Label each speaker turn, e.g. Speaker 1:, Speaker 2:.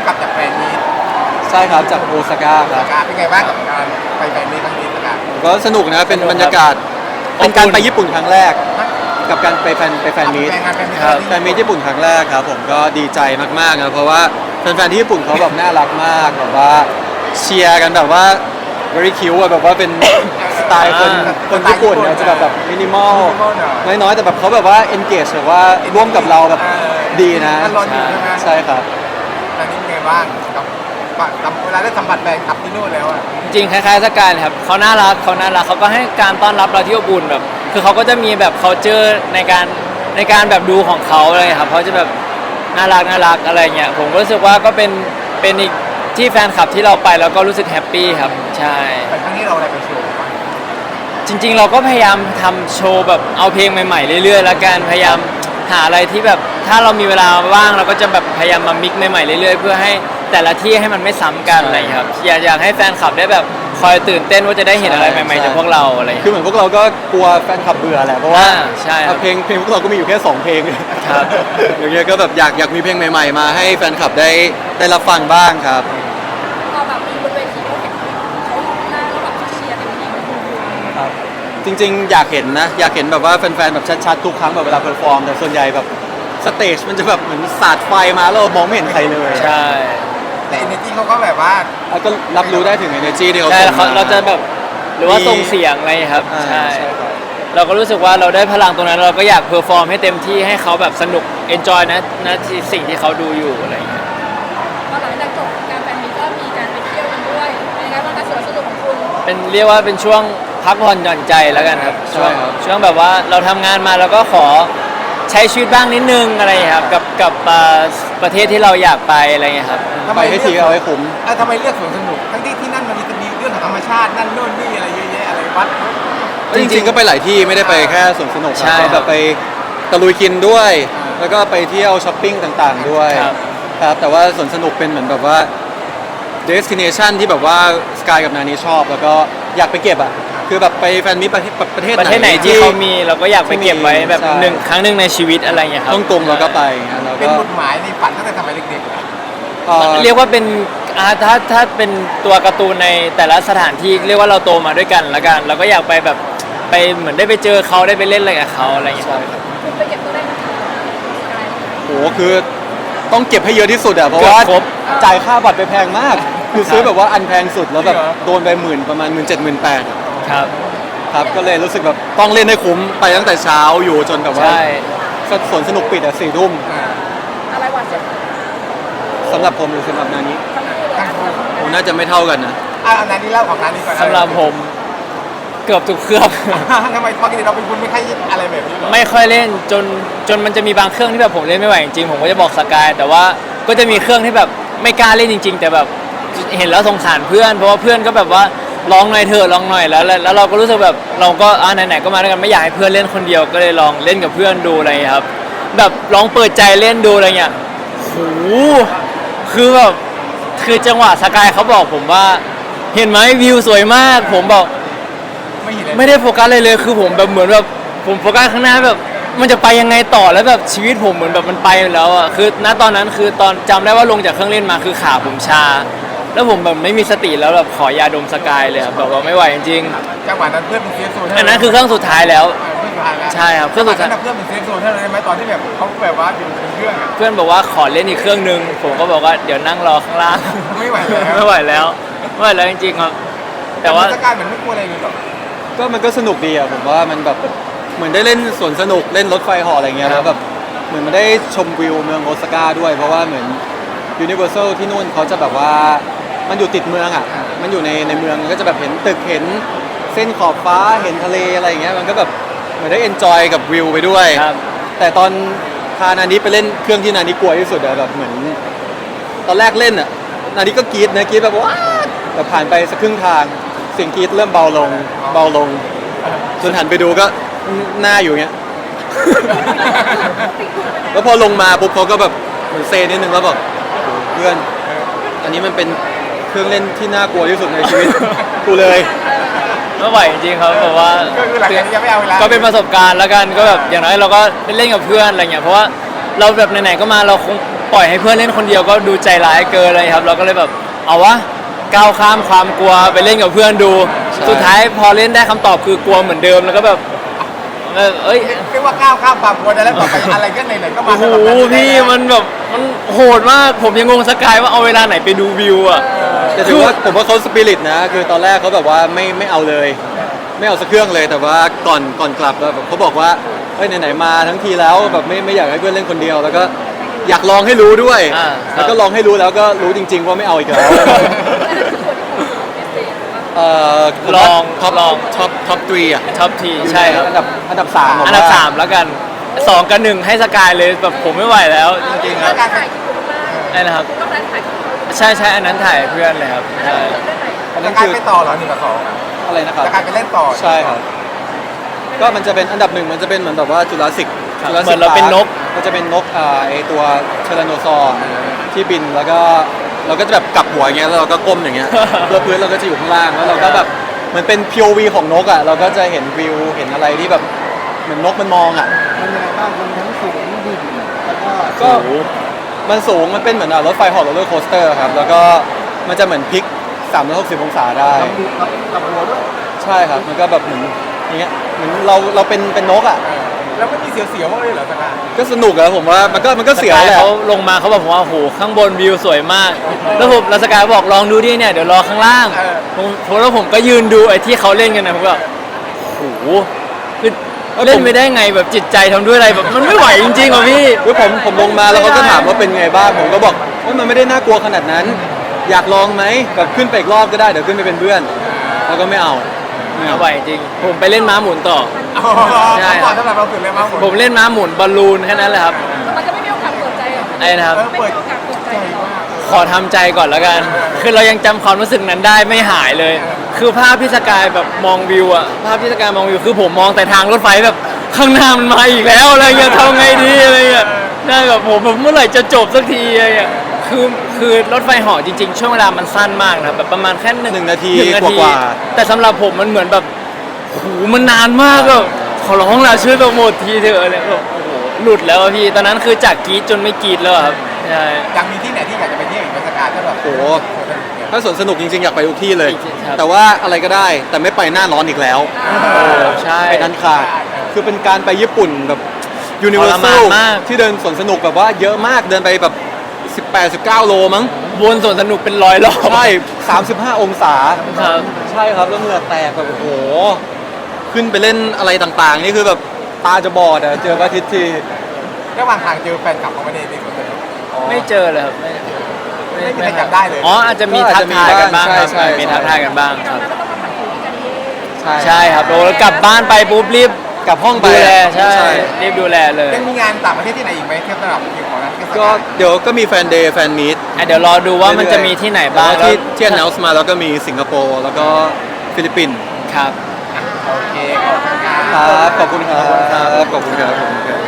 Speaker 1: กลับจากแฟนนี้
Speaker 2: ใช่ครับจากโอซาก้าครับ
Speaker 1: การเป็นไงบ้างกับการไปแฟนนี้ครั้งนี้การ
Speaker 2: ก็สนุกนะเป็นบรรยากาศเป็นการไปญี่ปุ่นครั้งแรก กับการไปแฟนมีต
Speaker 1: ครับ
Speaker 2: แฟนมีตญี่ปุ่นครั้งแรกครับผมก็ดีใจมากๆนะเพราะว่าแฟนๆที่ญี่ปุ่นเขาแบบน่ารักมากแบบว่าเชียร์กันแบบว่า very cute อะแบบว่าเป็น สไตล์คนญี่ปุ่นเนี่ยจะแบบมินิมอลน้อยๆแต่แบบเขาแบบว่า engage แบบว่าร่วมกับเราแบบดีนะ
Speaker 1: มันร้อนอยู่ใช่ไหม
Speaker 2: ใช่ครับ
Speaker 1: ตอนนี้เป็นไงบ้างกับเวลาได้สัมผัสแฟนคลับที่นู่นแล้วอ่ะ
Speaker 3: จริงคล้ายๆสกายเลยครับเขาน่ารักเขาก็ให้การต้อนรับเราที่อบอุ่นแบบ คือเขาก็จะมีแบบ culture ในการแบบดูของเขาอะไรครับเขาจะแบบน่ารักอะไรเงี้ยผมก็รู้สึกว่าก็เป็นอีกที่แฟนคลับที่เราไปแล้วก็รู้สึกแฮปปี้ครับใช่
Speaker 1: แต่ครั้งนี้เราอะไรไปโชว์บ้าง
Speaker 3: จริงๆเราก็พยายามทำโชว์แบบเอาเพลงใหม่ๆเรื่อยๆแล้วกันพยายามหาอะไรที่แบบถ้าเรามีเวลาว่างเราก็จะแบบพยายามมามิกซ์ใหม่ๆเรื่อยๆเพื่อให้แต่ละที่ให้มันไม่ซ้ำกันอะไรอย่างเงี้ยครับอยากให้แฟนคลับได้แบบคอยตื่นเต้นว่าจะได้เห็นอะไรใหม่ๆจากพวกเราอะไรอย่าง
Speaker 2: คือ
Speaker 3: เงี้ย
Speaker 2: เหมือนพวกเราก็กลัวแฟนคลับเบื่อแหละเพราะว่า
Speaker 3: ใช่ครับ
Speaker 2: เพลงพวกเราก็มีอยู่แค่2เพลง
Speaker 3: ครับ
Speaker 2: อย่างเงี้ยก็แบบอยากมีเพลงใหม่ๆมาให้แฟนคลับได้รับฟังบ้างครับ
Speaker 4: พอแบบมีบนเวทีเขาเห็นเขาหน้าแล้วแบบเชียร์เต็มที่มันดู
Speaker 2: จริงๆอยากเห็นนะอยากเห็นแบบว่าแฟนๆแบบชัดๆทุกครั้งแบบเวลาเพอร์ฟอร์มแต่ส่วนใหญ่แบบสเตจมันจะแบบเหมือนสาดไฟมาแล้วเรามองไม่เห็นใครเลย
Speaker 3: ใช่
Speaker 1: แต่ energy เขาก็แบบว่า
Speaker 2: แล้วก็รับรู้ได้ถึง energy ที่เขา
Speaker 3: ใช่
Speaker 2: ส่งมา
Speaker 3: เราจะแบบหรือว่าส่งเสียงอะไรครับ
Speaker 2: อ่า
Speaker 3: ใช่
Speaker 2: ใช่ครับ
Speaker 3: เราก็รู้สึกว่าเราได้พลังตรงนั้นเราก็อยากเพอร์ฟอร์มให้เต็มที่ให้เขาแบบสนุก enjoy นะที่สิ่งที่เขาดูอยู่อะไรอย่างเงี้ย
Speaker 4: พอหลังจากจบการแฟนมีตก็มีการไปเที่ยวกันด้วยเป็นไงบ้างการสวนสนุกของคุณ
Speaker 3: เป็นเรียกว่าเป็นช่วงพักผ่อนหย่อนใจแล้วกันครับช่วงแบบว่าเราทำงานมาแล้วก็ขอใช้ชีวิตบ้างนิดนึงอะไรอย่างเงี้ยครับกับประเทศที่เราอยากไปอะไรอย่างเงี้ยครับ
Speaker 2: ไปให้ทีเอาให้คุ้ม
Speaker 1: ทำไมเลือกสวนสนุกทั้งที่นั่นมันมีเรื่องของธรรมชาตินั่นโน่นนี่อะไรเยอะแยะอะไรวัด
Speaker 2: จริงๆก็ไปหลายที่ไม่ได้ไปแค่สวนสนุก
Speaker 3: ใช่
Speaker 2: ก็
Speaker 3: ค
Speaker 2: แบ
Speaker 3: รับบ
Speaker 2: ไปตะลุยกินด้วย แล้วก็ไปเที่ยวช้อปปิ้งต่างๆด้วย
Speaker 3: ครับ
Speaker 2: ครับแต่ว่าสวนสนุกเป็นเหมือนแบบว่า destination ที่แบบว่าสกายกับนานี้ชอบ แล้วก็อยากไปเก็บอ่ะคือแบบไปแฟนมิตรประเทศ
Speaker 3: ประเทศไหนที่เขามีเราก็อยากไปเก็บไว้แบบ
Speaker 2: ใช่
Speaker 3: ครั้งหนึ่งในชีวิตอะไรอย่างเงี้ยครับ
Speaker 2: ฮ่องกงเราก็ไปอย่างเงี้ยแล้ว
Speaker 1: เป็น
Speaker 2: ก็
Speaker 1: จุดหมายในฝันตั้งแต่สมัยเด็กๆเลย
Speaker 3: เรียกว่าเป็นถ้าเป็นตัวการ์ตูนในแต่ละสถานที่เรียกว่าเราโตมาด้วยกันละกันเราก็อยากไปแบบไปเหมือนได้ไปเจอเขาได้ไปเล่นอะไรกับเขาอะไรอย่างเงี้ยครับ
Speaker 4: คุณไปเก็บตัวได้ไหมคะสกาย
Speaker 2: โหคือต้องเก็บให้เยอะที่สุดอ่ะเพราะว่า
Speaker 3: เกือบครบ
Speaker 2: จ่ายค่าบัตรไปแพงมาก คือซื้อแบบว่าอันแพงสุดแล้วแบบโดนไปประมาณ17,000-18,000
Speaker 3: ครับ
Speaker 2: ครับก็เลยรู้สึกแบบต้องเล่นให้คุ้มไปตั้งแต่เช้าอยู่จนแบบว่า
Speaker 3: ใช่
Speaker 2: สวนสนุกปิดอ่ะ4 ทุ่ม
Speaker 4: อะไรหวานเสียว
Speaker 2: สำหรับผมหรือสำหรับนานี้
Speaker 4: ทั้งคู่เลย
Speaker 2: ผมน่าจะไม่เท่ากันนะ
Speaker 1: อันนั้นนี่เล่าของร้านนี้ก่อน
Speaker 3: สำหรับผมเกือบทุกเครื่อง
Speaker 1: ทำไมปกติเราเป็นคนไม่ค่อยอะไรแบบนี้หรอ
Speaker 3: ไม่ค่อยเล่นจนมันจะมีบางเครื่องที่แบบผมเล่นไม่ไหวจริงๆผมก็จะบอกสกายแต่ว่าก็จะมีเครื่องที่แบบไม่กล้าเล่นจริง ๆ แต่แบบเห็นแล้วสงสารเพื่อนเพราะว่าเพื่อนก็แบบว่าลองหน่อยเถอะลองหน่อยแล้วเราก็รู้สึกแบบเราก็ไหนๆก็มาด้วยกันไม่อยากให้เพื่อนเล่นคนเดียวก็เลยลองเล่นกับเพื่อนดูอะไรอย่างเงี้ยครับแบบลองเปิดใจเล่นดูอะไรเงี้ยโหคือแบบคือจังหวะสกายเขาบอกผมว่าเห็นไหมวิวสวยมากผมบอก
Speaker 1: ไม่เห็นเลย
Speaker 3: ไม่ได้โฟกัสเลยคือผมแบบเหมือนแบบผมโฟกัสข้างหน้าแบบมันจะไปยังไงต่อแล้วแบบชีวิตผมเหมือนแบบมันไปแล้วอ่ะคือณตอนนั้นคือตอนจำได้ว่าลงจากเครื่องเล่นมาคือขาผมชา แล้วผมแบบไม่มีสติแล้วแบบขอยาดมสกายเลยครับแบบว่าไม่ไหวจริง
Speaker 1: จังหวะนั้นเพื่อนเป็นเซฟโซน
Speaker 3: ๆอันนั้นคือเครื่องสุดท้ายแล้ว
Speaker 1: เพื่อนสุดท้ายแล้ว
Speaker 3: ใช่ครับเครื่องสุดท้าย
Speaker 1: เพื่อนเป็นเซฟโซนเท่านั้นไหมตอนที่แบบเขาแบบว่าอยู่ในเครื่องอ่ะ
Speaker 3: เพื่อนบอกว่าขอเล่นอีกเครื่องนึงผมก็บอกว่าเดี๋ยวนั่งรอข้างล่าง
Speaker 1: ไม่ไหวแล้ว
Speaker 3: ไม่ไหวแล้วไม่ไหวแล้วจริงๆครับแต่ว่า
Speaker 1: สกายเหมือนไม่กลัวอะไรเลยหรอ
Speaker 2: ก็มันก็สนุกดีอ่ะผมว่ามันแบบเหมือนได้เล่นสวนสนุกเล่นรถไฟเหาะอะไรเงี้ยแล้วแบบเหมือนมันได้ชมวิวเมืองโอซาก้าด้วย เพราะว่าเหมือนยูนิเวอร์แซลที่นู่นเขาจะแบบว่ามันอยู่ติดเมืองอ่ะมันอยู่ในเมืองก็จะแบบเห็นตึกเห็นเส้นขอบฟ้าเห็นทะเลอะไรอย่างเงี้ยมันก็แบบเหมือนได้เอนจอยกับวิวไปด้วย
Speaker 3: ครับ
Speaker 2: แต่ตอนพานานี้ไปเล่นเครื่องที่นานี้กลัวที่สุดอะแบบเหมือนตอนแรกเล่นอะนานี้ก็กรี๊ดนะกรี๊ดแบบว้าแต่ผ่านไปสักครึ่งทางเสียงกรี๊ดเริ่มเบาลงจนหันไปดูก็หน้าอยู่เงี้ย แล้วพอลงมาปุ๊บเขาก็แบบเหมือนเซนิดนึงแล้วบอกโอ้โหเพื่อนอันนี้มันเป็นเครื่องเล่นที่น่ากลัวที่สุดในชีวิต กูเลย
Speaker 3: ไม่ไหวจริงๆครับแบบว่า
Speaker 1: ก็คือหลังจากนี้ยังไม่เอาเวลา
Speaker 3: ก็เป็นประสบการณ์แล้วกันก็แบบอย่างน้อยเราก็ไปเล่นกับเพื่อนอะไรเงี้ยเพราะว่าเราแบบไหนๆก็มาเราคงปล่อยให้เพื่อนเล่นคนเดียวก็ดูใจร้ายเกินเลยครับเราก็เลยแบบเอาวะก้าวข้ามความกลัวไปเล่นกับเพื่อนดู สุดท้ายพอเล่นได้คำตอบคือกลัวเหมือนเดิมแล้วก็แบบเอ้ย
Speaker 1: เรียกว่าก้าวข้ามความกลัวได้แล้วต่อไปอะไรก็ไหนๆก็มา
Speaker 3: โอ้โหพี่มันแบบมันโหดมากผมยังงงสกายว่าเอาเวลาไหนไปดูวิวอ่ะ
Speaker 2: แต่ถือว่าผมว่าเขาสปิริตนะคือตอนแรกเขาแบบว่าไม่เอาเลย ไม่เอาสักเครื่องเลยแต่ว่าก่อนกลับแบบเขาบอกว่าเฮ้ยไหนๆมาทั้งทีแล้วแบบไม่อยากให้เพื่อนเล่นคนเดียว แล้วก็อยากลองให้รู้ด้วย แล้วก็ลองให้รู้แล้วก็รู้จริง ๆ ว่าไม่เอาอีกแล้ว
Speaker 3: ลอง
Speaker 2: ท็อป
Speaker 3: ลอง
Speaker 2: ท็อปทรีอ่ะ
Speaker 3: ท็อปทีใช่ครับ
Speaker 2: อันดับสาม
Speaker 3: อันดับ3แล้วกัน2กับ1ให้สกายเลยแบบผมไม่ไหวแล้วจริงๆครับ
Speaker 4: การถ่ายคลิปมาก
Speaker 3: ไอ้นะครับ
Speaker 4: ต้องนั้นถ่ายคลิป
Speaker 3: ใช่อันนั้นถ่ายเพื่อนเลยครับใช่
Speaker 2: อัน
Speaker 1: จะ
Speaker 2: นั้น
Speaker 1: กลาย
Speaker 2: คือ
Speaker 1: ไปต่อเหรอ1 กับ 2อะ
Speaker 2: อะไรนะครับ
Speaker 1: จะกลายไปเล่นต่อ
Speaker 2: ใช่ครับ ก็มันจะเป็นอันดับหนึ่งมันจะเป็นเหมือนแบบว่าจุลศิษย์
Speaker 3: เหมือนเราเป็นนก
Speaker 2: มันจะเป็นนกไอตัวเชลโนซอร์ที่บินแล้วก็เราก็จะแบบกลับหัวอย่างเงี้ยแล้วเราก็ก้มอย่างเงี้ย แล้วพื้นเราก็จะอยู่ข้างล่างแล้วเราก็แบบเหมือนเป็น POV ของนกอ่ะเราก็จะเห็นวิวเห็นอะไรที่แบบเหมือนนกมันมองอ่ะ
Speaker 5: มันยังไงบ้างมันทั้งสูงดิ่งแล้วก็
Speaker 2: ก็มันสูงมันเป็นเหมือนรถไฟเหาะโรลเลอร์โคสเตอร์ครับแล้วก็มันจะเหมือนพลิก360 องศาได้
Speaker 5: กับหัวด้วย
Speaker 2: ใช่ครับมันก็แบบเหมือนอย่างเงี้ยเหมือนเราเป็นนกอ่ะ
Speaker 1: แล้วไม่มีเสียวๆเลยเหรอสกาย
Speaker 2: ก็สนุกอะผมว่ามันก็เสียว
Speaker 3: สกา
Speaker 2: แหละ
Speaker 3: เขาลงมาเขาบอกผมว่าโอ้โหข้างบนวิวสวยมาก แล้วสกายบอกลองดูดิเนี่ยเดี๋ยวรอข้างล่างผมก็ยืนดูไอ้ที่เขาเล่นกันนะผมแบบโอ้โหคือเล่นไม่ได้ไงแบบจิตใจทำด้วยอะไรแบบมันไม่ไหวจริงๆว่ะพี่
Speaker 2: คือผมลงมาแล้วเขาก็ถามว่าเป็นไงบ้างผมก็บอกว่ามันไม่ได้น่ากลัวขนาดนั้น อยากลองไหมแบบขึ้นไปอีกรอบก็ได้เดี๋ยวขึ้นไปเป็นเพื่อนแล้วก็ไม่เอา
Speaker 3: ไม่ไหวจริง ผมไปเล่นม้าหมุนต่อ ใช่
Speaker 1: ก่อนสำหรับเราถึงเลยมั้ง
Speaker 3: ผมเล่นม้าหมุนบอลลูนแค่นั้นแหละครับ
Speaker 4: มันจะไม่มีโอกาสเปิดใจหรอ
Speaker 3: ไอ้นะครับ
Speaker 4: ไม่มีโอกาสเปิดใจหรอ
Speaker 3: ขอทำใจก่อนแล้วกัน คือเรายังจำความรู้สึกนั้นได้ไม่หายเลย คือภาพที่สกายแบบมองวิวอะภาพที่สกายมองวิวคือผมมองแต่ทางรถไฟแบบข้างหน้ามันมาอีกแล้วอะไรเงี้ยทำไงดีอะไรเงี้ยได้แบบผมแบบเมื่อไหร่จะจบสักทีอะไรเงี้ยคือรถไฟเหาะจริงๆ ช่วงเวลามันสั้นมากนะครับแบบประมาณแค่หนึ่ง
Speaker 2: 1 นาที
Speaker 3: 1
Speaker 2: กว่า
Speaker 3: แต่สำหรับผมมันเหมือนแบบโอ้โหมันนานมากแบบขอร้องละช่วยโปรโมททีเถอะอะไรแบบโอ้โหหลุดแล้วอะพี่ตอนนั้นคือจากกรีดจนไม่กรีดแล้วอะครับใช่
Speaker 1: อยากมีที่ไหนที่อยากจะไปเที่ยวอีกไหมสกายถ้าแบบ
Speaker 2: โอ้โหถ้าสวนสนุกจริงๆอยากไปทุกที่เลย
Speaker 3: ครับ
Speaker 2: แต่ว่าอะไรก็ได้แต่ไม่ไปหน้าร้อนอีกแล้ว
Speaker 3: โอ้ใช่
Speaker 2: ไปนั้นขาดคือเป็นการไปญี่ปุ่นแบบยูนิเวอ
Speaker 3: ท
Speaker 2: ร์
Speaker 3: ร
Speaker 2: แซ
Speaker 3: มาน
Speaker 2: ล
Speaker 3: มาก
Speaker 2: ที่เดินสวนสนุกแบบว่าเยอะมากเดินไปแบบ18-19 โลมั้ง
Speaker 3: วนสวนสนุกเป็น100 รอบ
Speaker 2: ใช่35 องศา
Speaker 3: ครับ
Speaker 2: ใช่ครับแล้วเหงื่อแตกแบบโอ้โหขึ้นไปเล่นอะไรต่างๆ นี่คือแบบตาจะบอดอะเจอพระอาทิตย์ที
Speaker 1: ระหว่างทางเจอแฟนคลับเขาไม่ได้ในสวนสนุก
Speaker 3: ไม่เจอเลยครับ
Speaker 1: ไม่มีใครจับได้เลย
Speaker 3: อ๋ออาจจะมีทักทายกันบ้างครับ
Speaker 2: ใช่
Speaker 3: มีทักทายกันบ้างครับ
Speaker 4: แล้วก็ต้องมาถ่ายรูปกันเอง
Speaker 3: ใช่ครับโอ้แล้วกลับบ้านไปปุ๊บรีบ
Speaker 2: กลับห้องไป
Speaker 3: ดูแลใช่
Speaker 2: ใช่
Speaker 3: รีบดูแลเลย
Speaker 1: ยังมีงานต่างประเทศที่ไหนอีกไหมเทียบสำหรับคิวของนั้น
Speaker 2: ก็เดี๋ยวก็มีแฟนเดย์แฟนมีต
Speaker 3: เดี๋ยวรอดูว่ามันจะมีที่ไหนบ้าง
Speaker 2: แต่ว่ที่ announce มาแล้วก็มีสิงคโปร์แล้วก็ฟิลิปปินส์
Speaker 3: ครับ
Speaker 1: โอเคขอบคุณครับ
Speaker 2: ครับขอบคุณครับขอบคุณครับ